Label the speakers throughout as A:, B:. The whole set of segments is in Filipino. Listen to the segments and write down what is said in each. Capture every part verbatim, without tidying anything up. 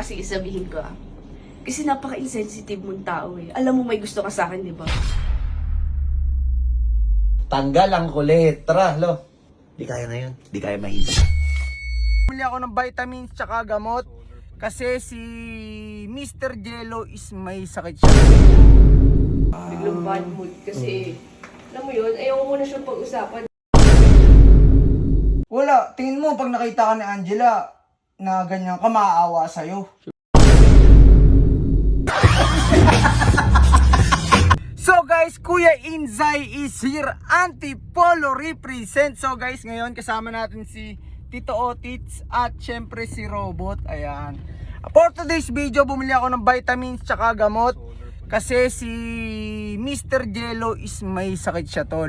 A: Kasi isabihin ko ah. Kasi napaka-insensitive mong tao eh. Alam mo may gusto ka sa akin, di ba?
B: Tanggal ang kulit. Tara, lo. Di kaya ngayon. Di kaya mahintay.
C: Bumili ako ng vitamins tsaka gamot kasi si Mister Jello is may sakit siya.
A: Biglang bad mood kasi, alam mo yun, ayaw ko na siyang pag-usapan.
C: Wala, tingin mo pag nakita ka ni Angela na ganyan ka, maaawa sa'yo. So guys, Kuya Inzay is here, Antipolo represent. So guys, ngayon kasama natin si Tito Otits at syempre si Robot. Ayan. For today's video, bumili ako ng vitamins tsaka gamot kasi si Mister Jello is may sakit siya, tol.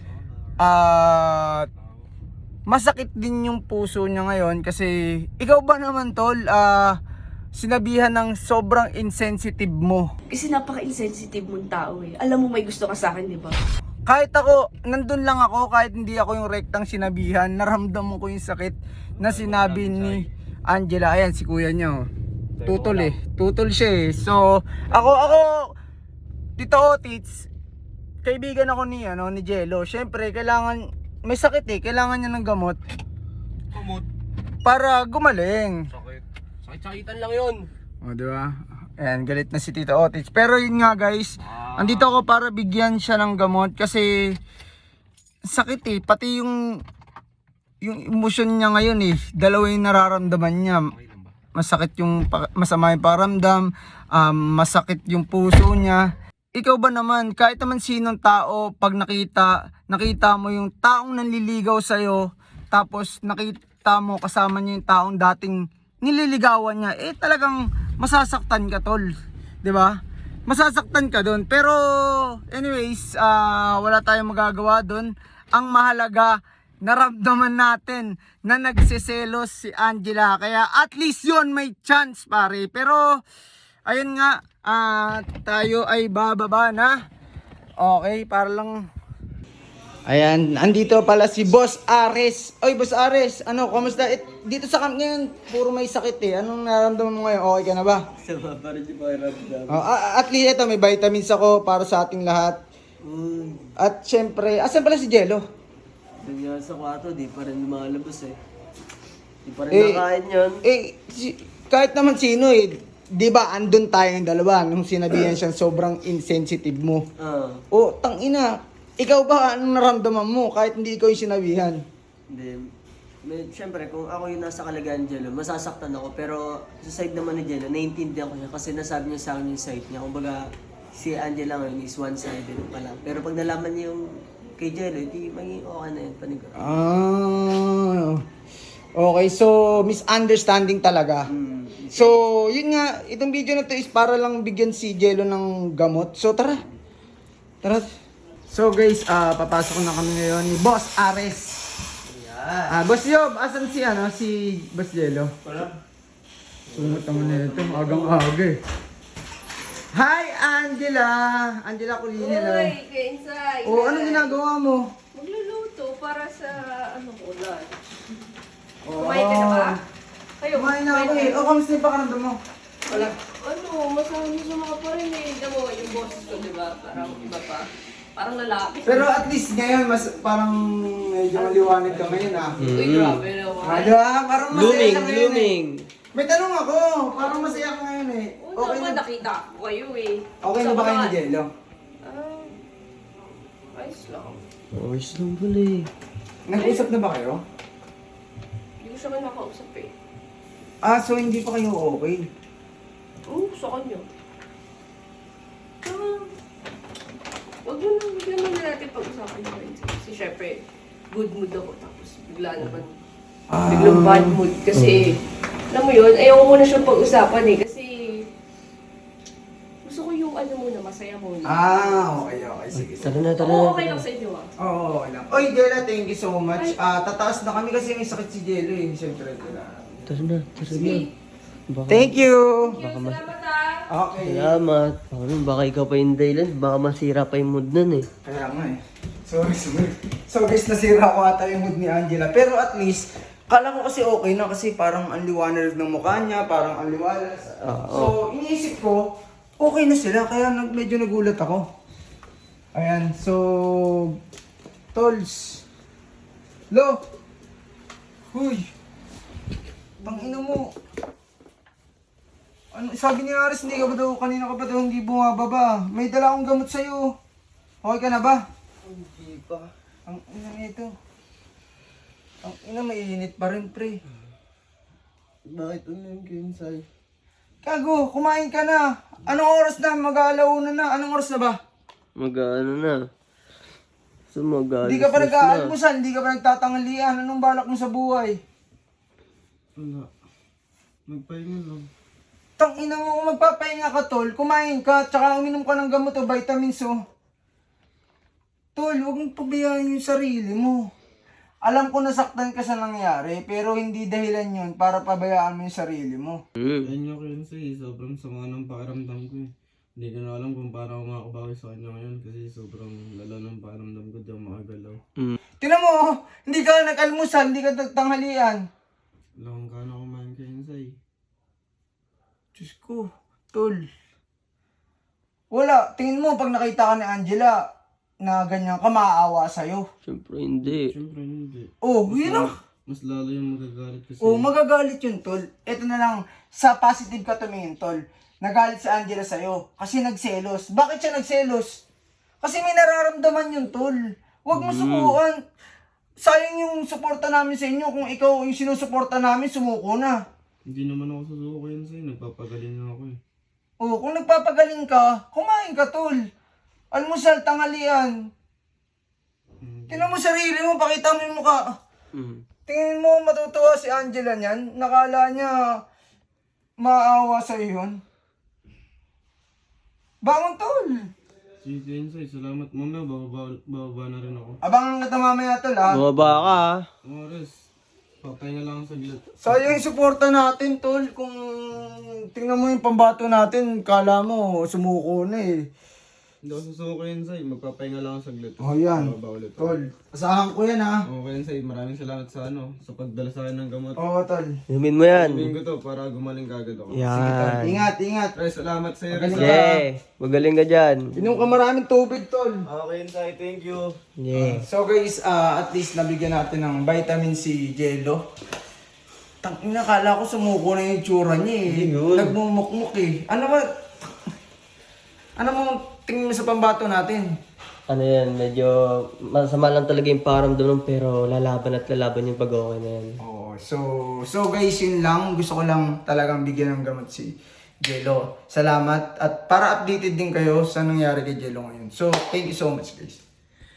C: At masakit din yung puso niya ngayon kasi ikaw ba naman, tol, ah sinabihan ng sobrang insensitive mo.
A: Kasi napaka-insensitive mong tao eh. Alam mo may gusto ka sa akin, di ba?
C: Kahit ako, nandun lang ako, kahit hindi ako yung rektang sinabihan, naramdaman ko yung sakit na sinabi ni Angela. Ayan, si kuya niya, oh. Tutol eh. Tutol siya eh. So, ako, ako, Tito Otits, kaibigan ako ni, ano, ni Jello. Siyempre, kailangan, may sakit eh. Kailangan niya ng gamot.
D: Gamot?
C: Para gumaling.
D: Sakit. Sakit-sakitan lang yun.
C: O, di ba? Ayan, galit na si Tito Otits. Pero yun nga guys, ah. andito ako para bigyan siya ng gamot kasi sakit eh. Pati yung yung emosyon niya ngayon eh. Dalawa yung nararamdaman niya. Masakit yung, masama yung pakiramdam, um, masakit yung puso niya. Ikaw ba naman, kahit naman sinong tao, pag nakita, nakita mo yung taong nanliligaw sa'yo, tapos nakita mo kasama niya yung taong dating nililigawan niya, eh talagang masasaktan ka, tol, 'di ba? Masasaktan ka doon. Pero anyways, uh, wala tayong magagawa doon. Ang mahalaga, naramdaman natin na nagseselos si Angela. Kaya at least yon may chance, pare. Pero ayun nga, uh, tayo ay bababa na. Okay, para lang. Ayan, andito pala si Boss Ares. Oy, Boss Ares, ano, kamusta? It, dito sa camp ngayon, puro may sakit eh. Anong nararamdaman mo ngayon? Okay ka na ba?
E: Sama pa rin yung pakiramdam.
C: Oh, at least ito, may vitamins ako para sa ating lahat.
E: Mm.
C: At syempre, asan pala si Jello?
E: Doon nga sa kwarto, di pa rin lumalabas eh. Di pa rin
C: Eh,
E: nakain yun.
C: Eh, si, kahit naman sino eh, di ba andun tayong dalawa nung sinabihan siyang sobrang insensitive mo.
E: Ah,
C: O, tangina, ikaw ba anong naramdaman mo kahit hindi ikaw yung sinabihan?
E: hindi. May, Siyempre, kung ako yung nasa kalagayan ni Jello, masasaktan ako. Pero sa side naman ni Jello, naiintindihan ko siya kasi nasabi niya sa akin yung side niya. Kumbaga, si Angela ngayon is one-sided pa lang. Pero pag nalaman niya yung kay Jello, hindi maging okay na yun, panigurado.
C: Ah, okay, so misunderstanding talaga.
E: Mm.
C: So, yun nga, itong video na to is para lang bigyan si Jello ng gamot. So, tara. Tara. So guys, ah papasok na kami ngayon ni Boss Ares. Ah, Boss Yob, asan si ano, si Boss Jello?
D: Wala.
C: Sumot naman na ito, agang-aga eh. Hi, Angela! Angela Culina.
A: Uy, Kuya Inzay.
C: Oh, anong ginagawa mo?
A: Magluluto para sa ano ulan.
C: Oh.
A: Kumain ka na ba? Kayo,
C: Kumain na ako eh. Oh, kamusta yung pakaramdam mo?
A: Wala. Ano, masama-masama ka pa rin eh. Alam mo, yung boses ko, di ba? Parang iba pa. Parang lalaki.
C: Pero at least ngayon, mas parang medyo maliwanag ka ngayon ah.
A: Uy, grabe naman.
C: Ah, di ba? Parang masaya
E: Blooming,
C: ka ngayon eh.
E: blooming.
C: May tanong ako, parang masaya ka ngayon eh.
A: Oo
C: Okay
A: naman,
C: na,
A: nakita ko kayo eh.
C: okay na ba kayo ni Jello?
A: Ah, ayos lang.
E: Ayos lang pala eh.
C: Nag-usap na ba kayo?
A: Hindi ko siya kayo nakausap eh.
C: Ah, so hindi pa kayo okay?
A: Oo, sa kanya. Ah, wag mo na, bigyan mo na natin pag-usapan na rin. Kasi syempre, good mood ako. Tapos bigla naman,
C: Ah.
A: biglang bad mood. Kasi, alam mo yun, ayaw ko muna siyang pag-usapan eh. Kasi, gusto ko yung ano muna, masaya muna.
C: Ah, okay, okay. Sige, sige.
E: Tara na, tara
A: Oo,
E: na.
A: okay lang sa inyo ah.
C: Oo, okay lang. Oy, Jella, thank you so much. Ah, tataas na kami kasi may sakit si Jello eh. Siyempre, Jella.
E: Tara na, tara na.
A: Sige.
E: Baka,
C: Thank you!
A: Thank you, salamat ah.
C: Okay.
E: Salamat. Ano, baka ikaw pa yung dahilan. Baka masira pa yung mood nun eh.
C: Kaya nga eh. Sorry, sorry. So guys, nasira ko ata yung mood ni Angela. Pero at least, Kala ko kasi okay na kasi parang ang liwanag ng mukha niya, parang ang liwanag. So, iniisip ko, okay na sila, kaya nag, medyo nagulat ako. Ayan, so, Tols. Lo! Huy! Tangina mo. Ano, sabi ni Aris, hindi ka ba daw, kanina ka ba daw hindi bumababa? May dala akong gamot sa'yo. Okay ka na ba?
E: Hindi pa.
C: Ang ina nito. Ang ina, mainit pa rin, pre.
E: Bakit ano yung Kensai?
C: Kago, kumain ka na. Anong oras na? Mag-aalauna na. Anong oras na ba?
E: Mag-ano na? So mag
C: Hindi ka pa nag-aalmusan, hindi ka pa nagtatanghalian. Anong balak mo sa buhay?
E: Wala. Magpahinga lang.
C: Tang ina mo, kung magpapahinga ka, tol. Kumain ka, tsaka uminom ka ng gamot o vitamins, oh. Tol, huwag mong pabayaan yung sarili mo. Alam ko nasaktan ka sa nangyari, pero hindi dahilan yun para pabayaan mo yung sarili mo.
F: Ayun yung Kensai, sobrang sama ng pakiramdam ko eh. Hindi ko na alam kung paano ako makabawi sa kanya ngayon kasi sobrang lala ng pakiramdam ko, di ako makagalaw.
C: Tinan mo, oh, hindi ka nag-almusal, hindi ka nagtanghalian.
F: Wala kung kano kumain Kensai.
C: Diyos ko, tol. Wala, tingin mo pag nakita ka ni Angela na ganyan ka, maaawa sa'yo.
E: Siyempre hindi.
F: Siyempre hindi.
C: Oh, yun ang...
F: Mas lalo yung magagalit kasi.
C: Oh, magagalit yun, tol. Ito na lang, sa positive ka tumingin, tol. Nagalit si Angela sa'yo kasi nagselos. Bakit siya nagselos? Kasi may nararamdaman yun, tol. Huwag mo sukuan. Sayang yung suporta namin sa inyo. Kung ikaw yung sinusuporta namin, sumuko na.
F: Hindi naman ako susuko Kensai, nagpapagaling na ako eh.
C: Oh, kung nagpapagaling ka, kumain ka, tol. Almusal, tanghalian. Tingnan mo sarili mo, pakita mo yung mukha. Tingin mo matutuwa si Angela niyan? Nakala niya maawa sa yun. Bangon, tol.
F: Sige Kensai, salamat. Mamaya bababa, bababa na rin ako.
C: Abangan kita mamaya, tol, ha?
E: Bumaba ka ah.
F: Oras, papahinga lang saglit.
C: Sayang yung suporta natin, tol. Kung tingnan mo yung pambato natin, kala mo sumuko na eh.
F: Hindi ako susuko Kensai, magpapahinga lang ako saglit.
C: Oh, yan.
F: Bababa ulit.
C: Tol, asahan ko yan, ha?
F: Oo Kensai, maraming salamat sa ano, sa pagdala sa akin ng gamot.
C: Oo, tol.
E: Inumin mo yan.
F: Sabihin ko to para gumaling kagad ako.
E: Yan.
C: Ingat, ingat.
F: Pre, salamat sa iyo.
C: Magaling
E: Yeah. Magaling ka dyan.
C: Inom ka maraming tubig, tol.
F: Okay Kensai, thank you.
E: Yeah.
C: So guys, ah, at least nabigyan natin ng vitamin C Jello. Tangina, kala ko sumuko na yung tsura niya eh. Nagmumukmuk eh. Ano ba? Ano mo tingin mo sa pambato natin?
E: Ano yan, medyo masama lang talaga yung pakiramdam nun, pero lalaban at lalaban yung pag-okay na yan.
C: Oo, so, so guys, yun lang. Gusto ko lang talagang bigyan ng gamot si Jello. Salamat. At para updated din kayo sa nangyari kay Jello ngayon. So, thank you so much guys.